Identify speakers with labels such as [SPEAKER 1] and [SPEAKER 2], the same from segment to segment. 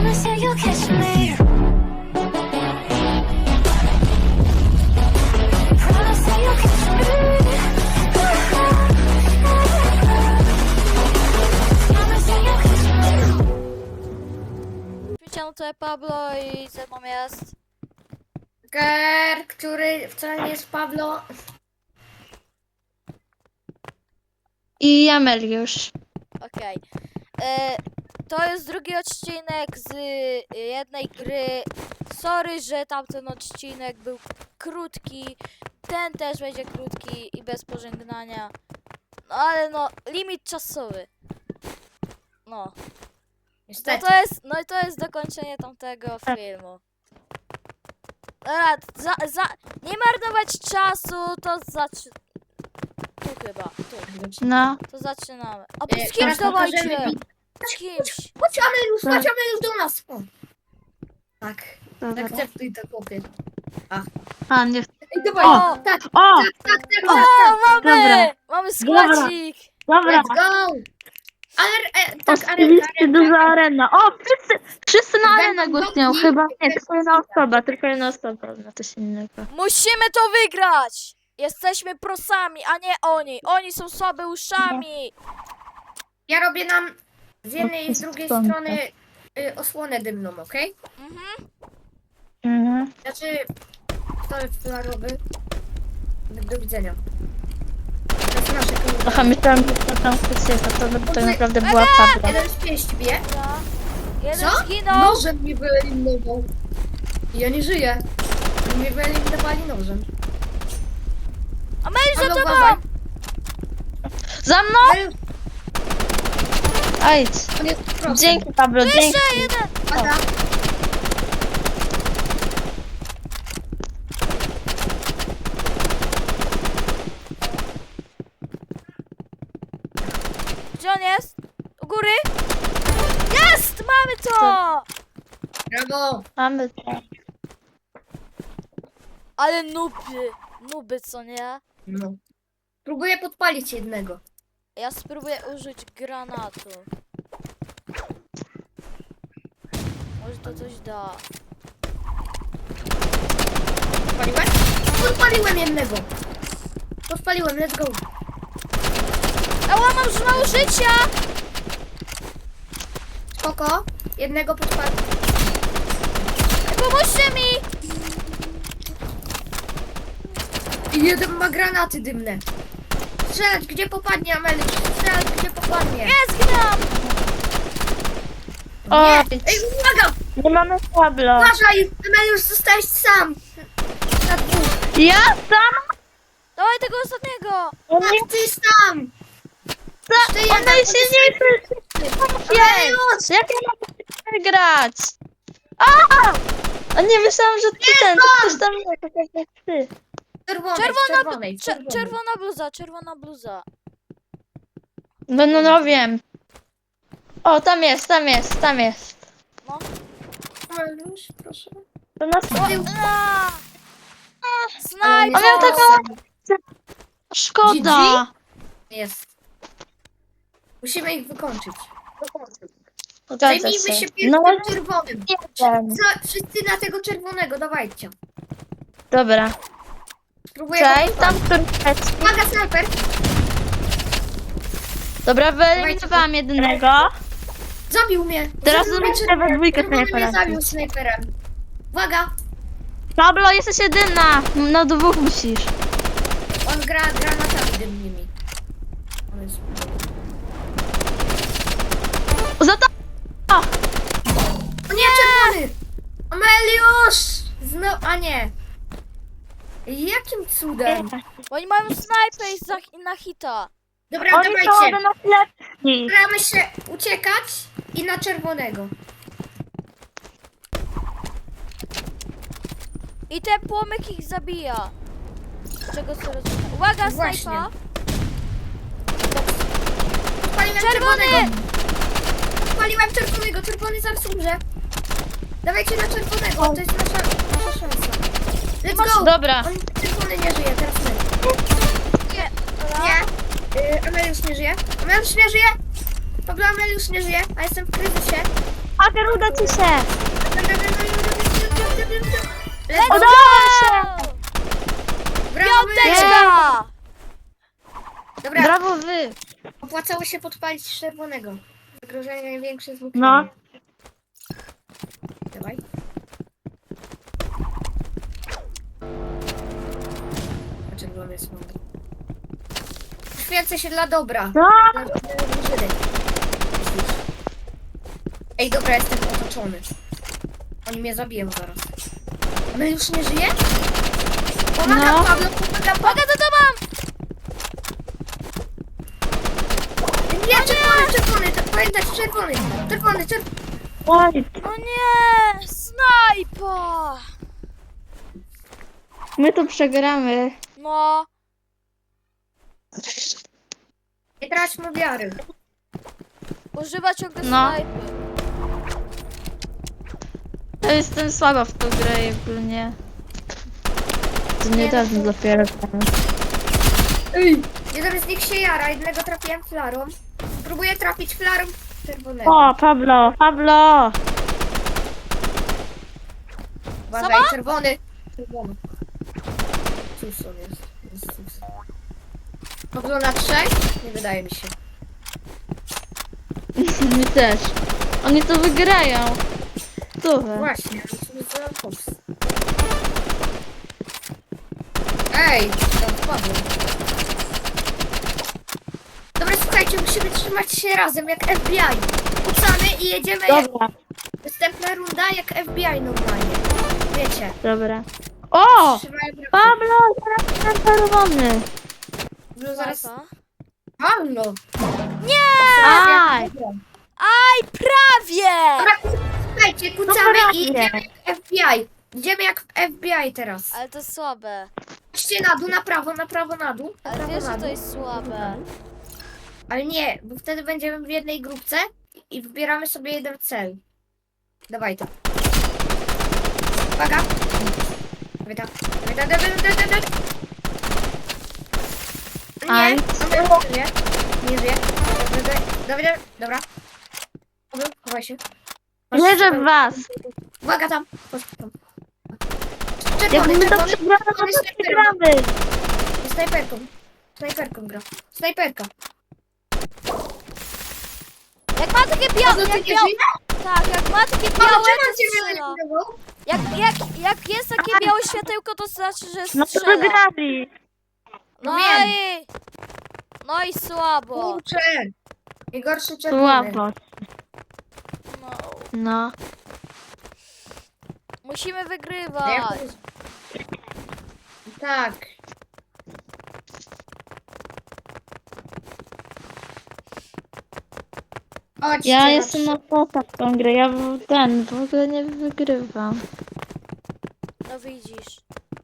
[SPEAKER 1] Promise that you'll catch me. Promise that you'll catch me. Promise that you'll catch me.
[SPEAKER 2] Wiecie, no to jest Pablo i ze mną jest...
[SPEAKER 3] Który wcale nie jest Pablo.
[SPEAKER 4] I Ameliusz.
[SPEAKER 2] Okej. To jest drugi odcinek z jednej gry. Sorry, że tamten odcinek był krótki. Ten też będzie krótki i bez pożegnania. No ale no, limit czasowy. No.
[SPEAKER 3] Niestety.
[SPEAKER 2] No i to jest dokończenie tamtego filmu. Dobra, nie marnować czasu, to tu chyba, tu.
[SPEAKER 4] No.
[SPEAKER 2] To zaczynamy. A z kimś
[SPEAKER 3] Teraz
[SPEAKER 2] dawajcie!
[SPEAKER 3] pokażemy
[SPEAKER 2] Z kimś!
[SPEAKER 3] Chodź Ameliusz do nas. O. Tak,
[SPEAKER 4] Dobra.
[SPEAKER 3] akceptuj to chłopie.
[SPEAKER 4] A, nie.
[SPEAKER 3] Ej, dawaj,
[SPEAKER 2] O!
[SPEAKER 3] tak,
[SPEAKER 4] O!
[SPEAKER 2] O, mamy!
[SPEAKER 4] Dobra.
[SPEAKER 2] Mamy składzik!
[SPEAKER 4] Dobra.
[SPEAKER 3] let's go. Ale, tak,
[SPEAKER 4] Oczywiście duża arena. O, wszyscy na arenę
[SPEAKER 3] Będą
[SPEAKER 4] głosują.
[SPEAKER 3] bloki,
[SPEAKER 4] Chyba nie, tylko jedna osoba, no coś innego.
[SPEAKER 2] Musimy to wygrać! Jesteśmy prosami, a nie oni! Oni są słabeuszami!
[SPEAKER 3] ja robię nam z jednej i z drugiej
[SPEAKER 4] Stąd.
[SPEAKER 3] strony osłonę dymną, okej?
[SPEAKER 4] Mhm.
[SPEAKER 3] Znaczy, to jest flarowy. Do widzenia. To jest nasze koło.
[SPEAKER 4] Aha, myślałam, że to tam ktoś jest, a to tak naprawdę była Pablo.
[SPEAKER 3] Jeden z pięści bije.
[SPEAKER 2] Dobra. Jeden
[SPEAKER 3] Co?
[SPEAKER 2] zginął!
[SPEAKER 3] Nożem mnie wyeliminował. Ja nie żyję. Oni mnie wyeliminowali nożem.
[SPEAKER 2] A my za
[SPEAKER 3] Ale
[SPEAKER 2] tobą!
[SPEAKER 3] uważaj.
[SPEAKER 4] Za mną!
[SPEAKER 3] Ale
[SPEAKER 4] Ajdź.
[SPEAKER 3] on jest prosty.
[SPEAKER 4] Dzięki, Pablo, dzięki.
[SPEAKER 2] Jeszcze jeden!
[SPEAKER 3] Pada.
[SPEAKER 2] Gdzie on jest? U góry? Jest! Mamy to!
[SPEAKER 3] Brawo.
[SPEAKER 4] Mamy to.
[SPEAKER 2] Ale nuby co nie?
[SPEAKER 3] No. Próbuję podpalić jednego.
[SPEAKER 2] Ja spróbuję użyć granatu. Może to coś da.
[SPEAKER 3] Podpaliłem? Podpaliłem jednego. Podpaliłem, let's go.
[SPEAKER 2] Ała, mam już mało życia!
[SPEAKER 3] Spoko. Jednego podpaliłem.
[SPEAKER 2] Pomóżcie mi!
[SPEAKER 3] I jeden ma granaty dymne. Strzelać gdzie popadnie, Ameliusz. Strzelać gdzie popadnie.
[SPEAKER 2] Jest gram!
[SPEAKER 4] O,
[SPEAKER 3] Nie. Ej, uwaga!
[SPEAKER 4] nie mamy Pablo.
[SPEAKER 3] Uważaj! Ameliusz, zostałeś sam. Na dwóch.
[SPEAKER 4] Ja sam?
[SPEAKER 2] Dawaj tego ostatniego!
[SPEAKER 4] On nie
[SPEAKER 3] Tak, ty sam.
[SPEAKER 4] chce,
[SPEAKER 3] jeden,
[SPEAKER 4] on najsilniejszy.
[SPEAKER 3] Ameliusz!
[SPEAKER 4] Jak ja mam wygrać? A nie, myślałam, że ty ten, to ktoś tam nie, tak jak ty.
[SPEAKER 2] Czerwona bluza.
[SPEAKER 4] No wiem. O, tam jest.
[SPEAKER 2] No.
[SPEAKER 3] Ameliusz, proszę.
[SPEAKER 4] To nas...
[SPEAKER 2] A!
[SPEAKER 3] Ale
[SPEAKER 2] Snajper!
[SPEAKER 4] On miał taką... Szkoda.
[SPEAKER 3] Jest. Musimy ich wykończyć.
[SPEAKER 4] Zgadza
[SPEAKER 3] Zajmijmy się pierwszym
[SPEAKER 4] No,
[SPEAKER 3] czerwonym.
[SPEAKER 4] nie wiem.
[SPEAKER 3] Wszyscy na tego czerwonego, dawajcie.
[SPEAKER 4] Dobra.
[SPEAKER 3] Spróbuję
[SPEAKER 4] Cześć,
[SPEAKER 3] go
[SPEAKER 4] tam
[SPEAKER 3] podpalić.
[SPEAKER 4] który leci.
[SPEAKER 3] Uwaga, snajper!
[SPEAKER 4] Dobra, wyeliminowałam jednego.
[SPEAKER 3] Zabił mnie!
[SPEAKER 4] Teraz
[SPEAKER 3] Zabił mnie
[SPEAKER 4] zobaczę we dwójkę
[SPEAKER 3] czerwony mnie
[SPEAKER 4] snajpera.
[SPEAKER 3] zabił snajperem. Uwaga!
[SPEAKER 4] Pablo, jesteś jedyna. No dwóch musisz.
[SPEAKER 3] On gra granatami dymnymi. On jest...
[SPEAKER 4] Za to...
[SPEAKER 3] O nie, czerwony! Ameliusz! A nie. Jakim cudem?
[SPEAKER 2] Bo oni mają snajper na hita.
[SPEAKER 3] Dobra,
[SPEAKER 4] Oni są
[SPEAKER 3] dawajcie.
[SPEAKER 4] do nas lepsi.
[SPEAKER 3] Staramy się uciekać i na czerwonego.
[SPEAKER 2] I ten płomyk ich zabija. Z czego co rozumiem. Uwaga,
[SPEAKER 3] Właśnie.
[SPEAKER 2] snajpa!
[SPEAKER 3] Spaliłem
[SPEAKER 2] Czerwony!
[SPEAKER 3] czerwonego. Spaliłem czerwonego. Czerwony zaraz umrze. Dawajcie na czerwonego. To jest nasza szansa. Let's go.
[SPEAKER 4] Dobra.
[SPEAKER 3] On czerwony nie żyje, teraz my.
[SPEAKER 2] Nie. Dobra.
[SPEAKER 3] Nie. Ameliusz nie żyje. Ameliusz nie żyje. Pablo, Ameliusz nie żyje, a jestem w kryzysie.
[SPEAKER 4] Haker, uda ci się!
[SPEAKER 3] Let's go!
[SPEAKER 4] Udało się!
[SPEAKER 3] Brawo, my!
[SPEAKER 2] Piąteczka!
[SPEAKER 3] Dobra,
[SPEAKER 4] Brawo wy!
[SPEAKER 3] opłacało się podpalić czerwonego. Zagrożenie największe z łukiem.
[SPEAKER 4] No.
[SPEAKER 3] Dawaj. A czerwony jest mądry. Poświęcę się dla dobra.
[SPEAKER 4] No.
[SPEAKER 3] Dla drużyny. Ej, dobra, jestem otoczony. Oni mnie zabiją zaraz. A my już nie żyje? Pomagam,
[SPEAKER 4] No.
[SPEAKER 3] Pablo, pomagam,
[SPEAKER 2] Mogę to mam!
[SPEAKER 3] Nie, czerwony, pamiętaj, czerwony.
[SPEAKER 4] Oj,
[SPEAKER 2] O nie! Snajpa!
[SPEAKER 4] my to przegramy.
[SPEAKER 2] No,
[SPEAKER 3] Nie traćmy wiary.
[SPEAKER 2] używa ciągle
[SPEAKER 4] No.
[SPEAKER 2] snajpy.
[SPEAKER 4] Ja jestem słaba w tą grę ogólnie. To niedawno dopiero grałem.
[SPEAKER 3] Jeden z nich się jara, jednego trafiłem flarą. Próbuję trafić flarą czerwonego.
[SPEAKER 4] O, Pablo!
[SPEAKER 3] Uważaj, czerwony. Czerwony. Cóż on jest? Cóż. Pablo na 3? Nie wydaje mi się.
[SPEAKER 4] Mi też. Oni to wygrają. Stówę.
[SPEAKER 3] Właśnie, ale to jest za Fox. Ej, tam wpadłem. Dobra, słuchajcie, musimy trzymać się razem jak FBI. Kucamy i jedziemy jak
[SPEAKER 4] Dobra,
[SPEAKER 3] następna runda jak FBI normalnie. Wiecie.
[SPEAKER 4] dobra. O!
[SPEAKER 3] Trzymają razem.
[SPEAKER 4] Pablo, teraz ten czerwony.
[SPEAKER 3] No zaraz.
[SPEAKER 2] Snajpa.
[SPEAKER 3] Halo!
[SPEAKER 4] Aj!
[SPEAKER 2] Aj, prawie!
[SPEAKER 3] Dobra, słuchajcie, kucamy
[SPEAKER 4] prawie.
[SPEAKER 3] i idziemy jak FBI. Idziemy jak FBI teraz.
[SPEAKER 2] Ale to słabe.
[SPEAKER 3] Idźcie na dół, na prawo, na prawo, na dół. Na
[SPEAKER 2] Ale
[SPEAKER 3] prawo,
[SPEAKER 2] wiesz,
[SPEAKER 3] na
[SPEAKER 2] że to
[SPEAKER 3] dół.
[SPEAKER 2] jest słabe.
[SPEAKER 3] Ale nie, bo wtedy będziemy w jednej grupce i wybieramy sobie jeden cel. Dawaj to. Uwaga. Dawaj to. Dawaj. Nie,
[SPEAKER 4] Aj.
[SPEAKER 3] nie żyje. Dawaj. Dobra. Dobra, chowaj się.
[SPEAKER 4] Wierzę w was.
[SPEAKER 3] Uwaga tam. Chodź tam.
[SPEAKER 4] Jak
[SPEAKER 3] Czerwony,
[SPEAKER 4] my to
[SPEAKER 3] czerwony.
[SPEAKER 4] przegramy, to
[SPEAKER 3] Czerwony
[SPEAKER 4] to
[SPEAKER 3] snajperką.
[SPEAKER 4] przegramy.
[SPEAKER 3] Snajperką gra. Snajperka.
[SPEAKER 2] Jak ma takie białe,
[SPEAKER 3] No ty
[SPEAKER 2] jak
[SPEAKER 3] nie
[SPEAKER 2] białe,
[SPEAKER 3] żyjesz?
[SPEAKER 2] tak, jak ma takie
[SPEAKER 3] Czemu
[SPEAKER 2] białe,
[SPEAKER 3] on
[SPEAKER 2] to
[SPEAKER 3] cię
[SPEAKER 2] strzela.
[SPEAKER 3] wyeliminował?
[SPEAKER 2] Jak jest takie białe światełko, to znaczy, że
[SPEAKER 4] No to
[SPEAKER 2] strzela.
[SPEAKER 4] wygrali.
[SPEAKER 2] No
[SPEAKER 3] wiem.
[SPEAKER 2] i... No i słabo.
[SPEAKER 3] Kurczę. Najgorszy czerwony.
[SPEAKER 4] Słabo.
[SPEAKER 2] No.
[SPEAKER 4] No.
[SPEAKER 2] Musimy wygrywać.
[SPEAKER 3] Tak. Chodźcie
[SPEAKER 4] Ja
[SPEAKER 3] na
[SPEAKER 4] jestem
[SPEAKER 3] trzy.
[SPEAKER 4] na posa w tą grę. Ja w ogóle nie wygrywam.
[SPEAKER 2] No widzisz.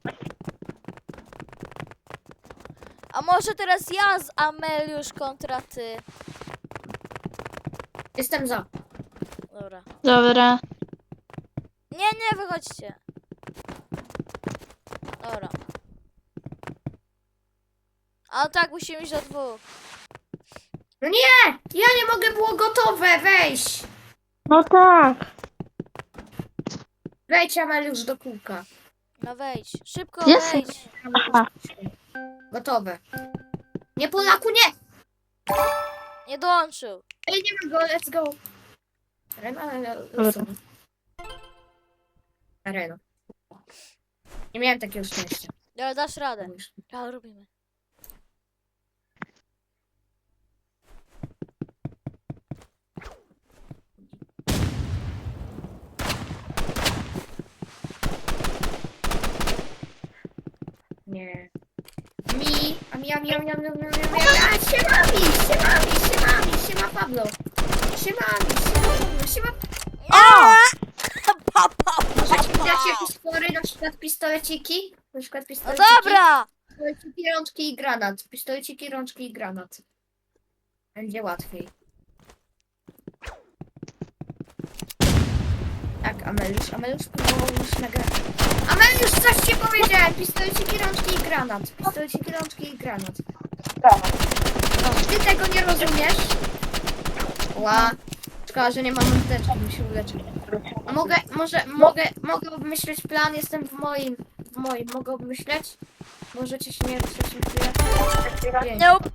[SPEAKER 2] A może teraz ja z Ameliusz kontra ty?
[SPEAKER 3] Jestem za.
[SPEAKER 2] Dobra.
[SPEAKER 4] Dobra.
[SPEAKER 2] Nie, wychodźcie. Dobra. A tak, musimy iść do dwóch.
[SPEAKER 3] No nie! Ja nie mogę, było gotowe, weź!
[SPEAKER 4] No tak.
[SPEAKER 3] Wejdź Ameliusz do kółka.
[SPEAKER 2] No wejdź. Szybko
[SPEAKER 4] Jest.
[SPEAKER 2] wejdź.
[SPEAKER 4] Aha.
[SPEAKER 3] Gotowe. Nie Polaku, nie!
[SPEAKER 2] Nie dołączył.
[SPEAKER 3] Ej, nie ma go, let's go. Arena. Nie miałem takiego szczęścia.
[SPEAKER 2] Ale dasz radę. Ja robimy.
[SPEAKER 3] Nie. Siema Pablo. Siema.
[SPEAKER 2] O!
[SPEAKER 3] Możecie mi dać jakieś spory, na przykład pistoleciki? Na przykład
[SPEAKER 2] No
[SPEAKER 3] pistoleciki.
[SPEAKER 2] dobra!
[SPEAKER 3] Pistoleciki, rączki i granat. Pistoleciki, rączki i granat. Będzie łatwiej. Tak, Ameliusz próbował już nagrać. Ameliusz, coś ci powiedziałem! Pistoleciki, rączki i granat. Pistoleciki, rączki i granat. No, ty tego nie rozumiesz? Ła. Szkoda, że nie mam apteczki, bym się uleczył. A mogę obmyśleć plan, jestem w moim, mogę obmyśleć? Możecie się nie ruszyć na chwilę? Pięć.
[SPEAKER 2] Nope.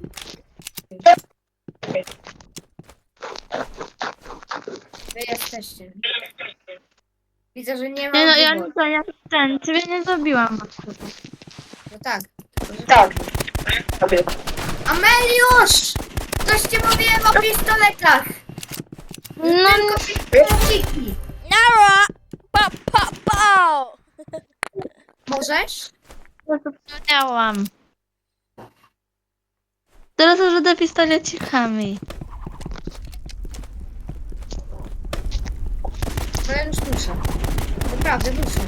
[SPEAKER 3] Wy jesteście. Widzę, że nie mam
[SPEAKER 4] Nie no, ja
[SPEAKER 3] wyboru.
[SPEAKER 4] nie ten, ciebie nie zabiłam.
[SPEAKER 3] No tak. Tak. Ameliusz! Coś ci mówiłem o pistoletach!
[SPEAKER 4] No,
[SPEAKER 3] Tylko pistoleciki.
[SPEAKER 2] Nara! Pa, pa, pa!
[SPEAKER 3] Możesz?
[SPEAKER 4] ja to miałam. Teraz użyję pistolecikami.
[SPEAKER 3] No ja już muszę. Naprawdę muszę.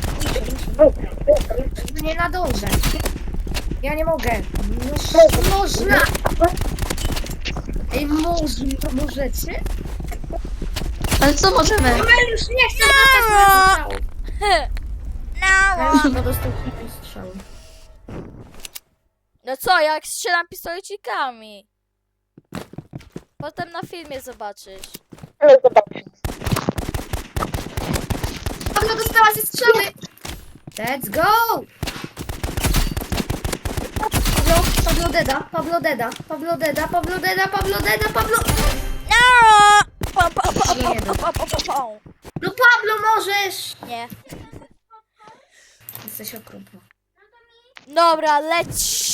[SPEAKER 3] Nie nadążę. Ja nie mogę. Można! Ej, możecie?
[SPEAKER 4] Ale co możemy?
[SPEAKER 3] Ameliusz nie chce dostać mojego strzału.
[SPEAKER 2] Nara!
[SPEAKER 3] Ameliusz chyba dostał kilka strzału.
[SPEAKER 2] No co, jak strzelam pistolecikami? Potem na filmie zobaczysz.
[SPEAKER 3] Pablo dostała się strzały! Let's go! Pablo deda.
[SPEAKER 2] Nara! Pa, pa, pa,
[SPEAKER 3] Nie
[SPEAKER 2] pa, pa, pa, pa, pa.
[SPEAKER 3] No Pablo, możesz!
[SPEAKER 2] Nie.
[SPEAKER 3] Jesteś okropna.
[SPEAKER 2] Dobra, leć.